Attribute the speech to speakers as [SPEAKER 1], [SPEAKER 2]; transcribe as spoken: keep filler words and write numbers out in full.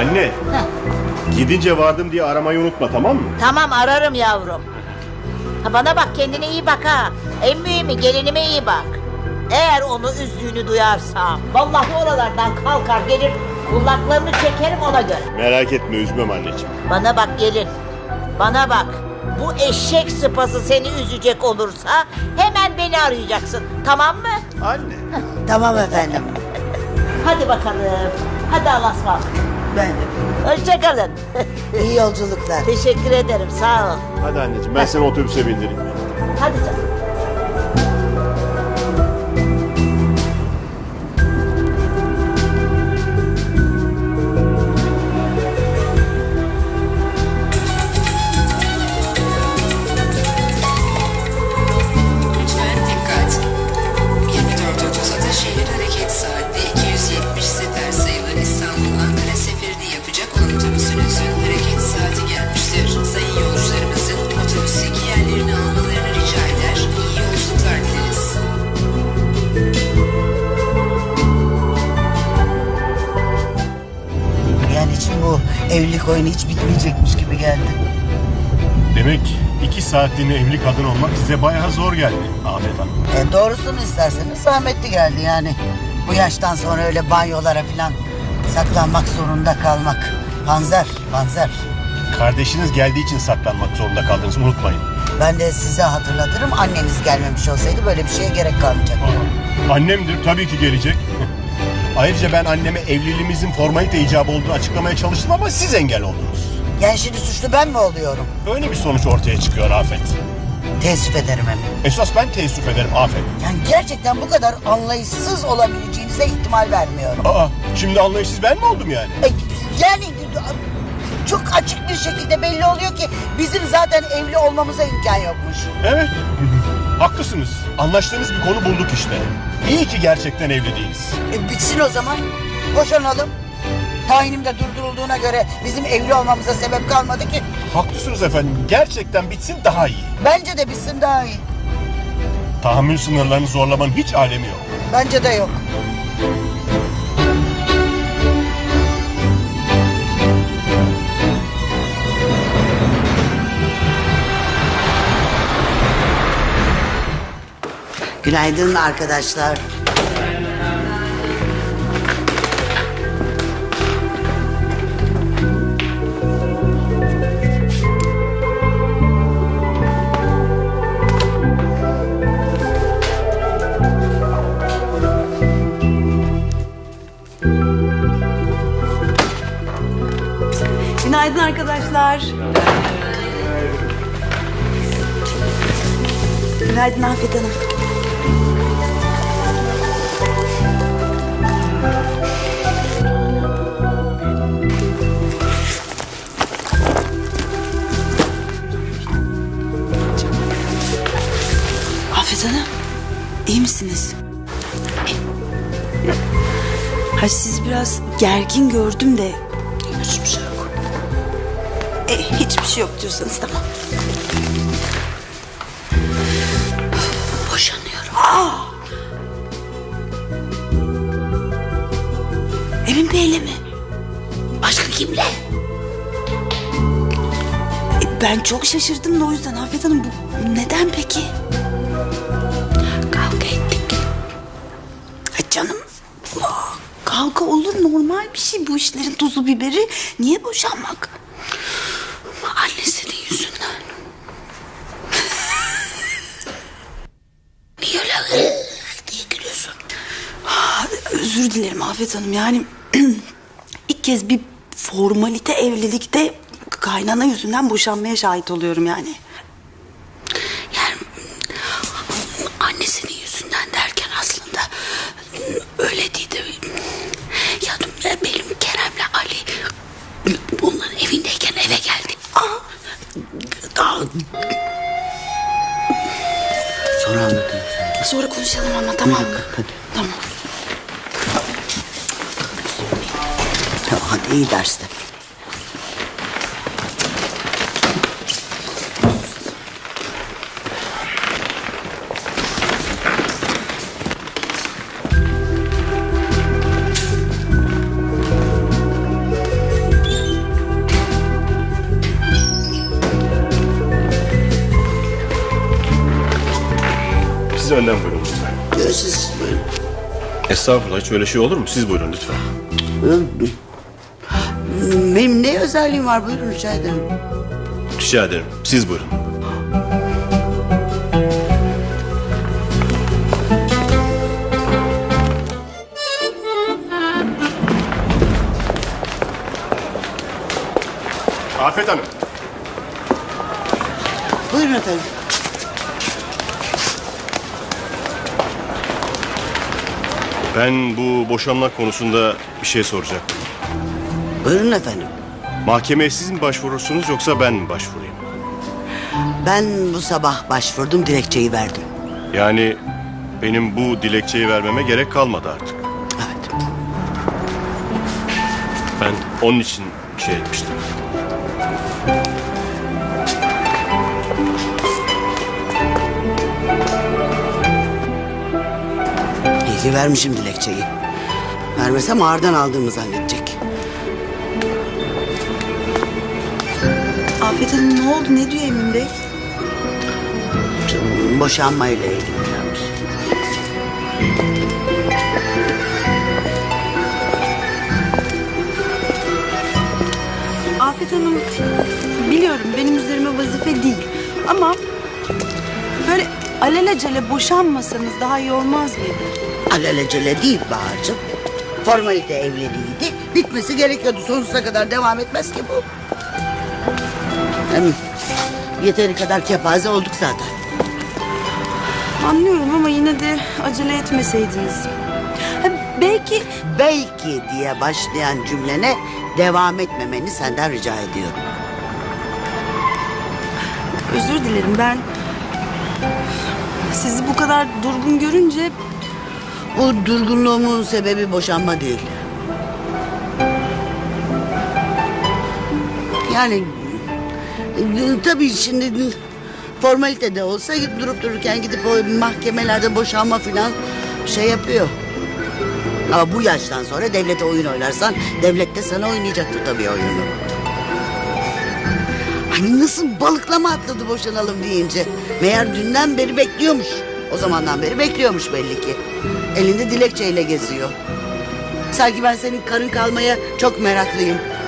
[SPEAKER 1] Anne.
[SPEAKER 2] Heh.
[SPEAKER 1] Gidince vardım diye aramayı unutma, tamam mı?
[SPEAKER 2] Tamam, ararım yavrum. Ha, bana bak, kendine iyi bak ha. En mühimi gelinime iyi bak. Eğer onu üzdüğünü duyarsam vallahi oralardan kalkar gelir, kulaklarını çekerim ona göre.
[SPEAKER 1] Merak etme, üzmem anneciğim.
[SPEAKER 2] Bana bak gelin. Bana bak. Bu eşek sıpası seni üzecek olursa hemen beni arayacaksın. Tamam mı?
[SPEAKER 1] Anne.
[SPEAKER 3] Tamam efendim.
[SPEAKER 2] Hadi bakalım. Hadi Allah'a ısmarladık.
[SPEAKER 3] Ben de.
[SPEAKER 2] Hoşça kalın.
[SPEAKER 3] İyi yolculuklar.
[SPEAKER 2] Teşekkür ederim. Sağ ol.
[SPEAKER 1] Hadi anneciğim, ben seni otobüse bindireyim.
[SPEAKER 2] Hadi canım.
[SPEAKER 4] Lütfen dikkat. yirmi dört otuz Ataşehir hareket saati iki yüz yetmiş sefer sayılı İstanbul-Ankara seferini yapacak olan otobüsünüzün hareket saati gelmiştir. Sayın yolcularımızın otobüsteki yerlerini almalarını rica eder. İyi yolculuklar dileriz.
[SPEAKER 3] Yani şimdi bu evlilik oyunu hiç bitmeyecekmiş gibi geldi.
[SPEAKER 1] Demek iki saatliğine evli kadın olmak size bayağı zor geldi Afet Hanım.
[SPEAKER 3] E, doğrusunu isterseniz zahmetli geldi yani. Bu yaştan sonra öyle banyolara falan saklanmak zorunda kalmak. Panzer, panzer.
[SPEAKER 1] Kardeşiniz geldiği için saklanmak zorunda kaldınız, unutmayın.
[SPEAKER 3] Ben de size hatırlatırım, anneniz gelmemiş olsaydı böyle bir şeye gerek kalmayacaktı.
[SPEAKER 1] Annemdir, tabii ki gelecek. Ayrıca ben anneme evliliğimizin formalite icabı olduğunu açıklamaya çalıştım ama siz engel oldunuz.
[SPEAKER 3] Yani şimdi suçlu ben mi oluyorum?
[SPEAKER 1] Öyle bir sonuç ortaya çıkıyor Afet.
[SPEAKER 3] Teessüf ederim hem.
[SPEAKER 1] Esas ben teessüf ederim Afet.
[SPEAKER 3] Yani gerçekten bu kadar anlayışsız olabileceğinize ihtimal vermiyorum.
[SPEAKER 1] Aa, şimdi anlayışsız ben mi oldum yani?
[SPEAKER 3] E, yani çok açık bir şekilde belli oluyor ki bizim zaten evli olmamıza imkan yokmuş.
[SPEAKER 1] Evet, haklısınız. Anlaştığımız bir konu bulduk işte. İyi ki gerçekten evli değiliz.
[SPEAKER 3] E, bitsin o zaman. Boşanalım. Tayinim de durdurulduğuna göre bizim evli olmamıza sebep kalmadı ki.
[SPEAKER 1] Haklısınız efendim. Gerçekten bitsin daha iyi.
[SPEAKER 3] Bence de bitsin daha iyi.
[SPEAKER 1] Tahammül sınırlarını zorlamanın hiç alemi yok.
[SPEAKER 3] Bence de yok. Günaydın arkadaşlar.
[SPEAKER 5] Günaydın arkadaşlar. Günaydın Afet Hanım. Afet Hanım, iyi misiniz? Ha, siz biraz gergin gördüm de hiçbir şey yok. E, hiçbir şey yok diyorsanız tamam. Boşanıyorum. Aa! Emin Bey'le mi? Başka kimle? E, ben çok şaşırdım da o yüzden Afet Hanım, bu neden peki? Kavga ettik. E, canım, aa, kavga olur, normal bir şey, bu işlerin tuzu biberi. Niye boşanmak? Annesinin yüzünden. Niye öyle diye gülüyorsun? Ah, özür dilerim Afet Hanım, yani ilk kez bir formalite evlilikte kaynana yüzünden boşanmaya şahit oluyorum yani. Yani annesinin yüzünden derken aslında öyle değil de, ya benim Kerem'le Ali onların evindeyken eve geldi. Aa, aa.
[SPEAKER 3] Sonra anlatırım.
[SPEAKER 5] Sonra konuşalım ama, tamam mı?
[SPEAKER 3] Hadi.
[SPEAKER 5] Tamam.
[SPEAKER 3] Hadi iyi derste.
[SPEAKER 1] Önden buyurun lütfen.
[SPEAKER 3] Diyor siz buyurun.
[SPEAKER 1] Estağfurullah, hiç öyle şey olur mu? Siz buyurun lütfen.
[SPEAKER 3] Benim ne özelliğim var buyurun rica ederim.
[SPEAKER 1] Rica ederim. Siz buyurun. Afet Hanım.
[SPEAKER 3] Buyurun efendim.
[SPEAKER 1] Ben bu boşanma konusunda bir şey soracaktım.
[SPEAKER 3] Buyurun efendim.
[SPEAKER 1] Mahkemeye siz mi başvurursunuz yoksa ben mi başvurayım?
[SPEAKER 3] Ben bu sabah başvurdum, dilekçeyi verdim.
[SPEAKER 1] Yani benim bu dilekçeyi vermeme gerek kalmadı artık.
[SPEAKER 3] Evet.
[SPEAKER 1] Ben onun için şey etmiştim.
[SPEAKER 3] İyi ki vermişim dilekçeyi. Vermesem ağırdan aldığımı zannedecek.
[SPEAKER 5] Afet Hanım ne oldu? Ne diyor Emin Bey?
[SPEAKER 3] Canım, boşanmayla ilgilenmiş.
[SPEAKER 5] Afet Hanım biliyorum benim üzerime vazife değil. Ama böyle alelacele boşanmasanız daha iyi olmaz mıydı?
[SPEAKER 3] Alelacele değil Bahar'cığım. Formalite evliliğiydi. Bitmesi gerekiyordu. Sonsuza kadar devam etmez ki bu. Hem yeteri kadar kepaze olduk zaten.
[SPEAKER 5] Anlıyorum ama yine de acele etmeseydiniz. Ha, belki
[SPEAKER 3] Belki diye başlayan cümlene devam etmemeni senden rica ediyorum.
[SPEAKER 5] özür dilerim ben sizi bu kadar durgun görünce
[SPEAKER 3] Bu durgunluğumun sebebi boşanma değil. Yani e, tabii şimdi formalite de olsa durup dururken gidip o mahkemelerde boşanma falan şey yapıyor. Ama bu yaştan sonra devlete oyun oynarsan devlet de sana oynayacaktır tabii oyunu. Hani nasıl balıklama atladı boşanalım deyince. Meğer dünden beri bekliyormuş. O zamandan beri bekliyormuş belli ki. Elinde dilekçeyle geziyor. Sanki ben senin karın kalmaya çok meraklıyım.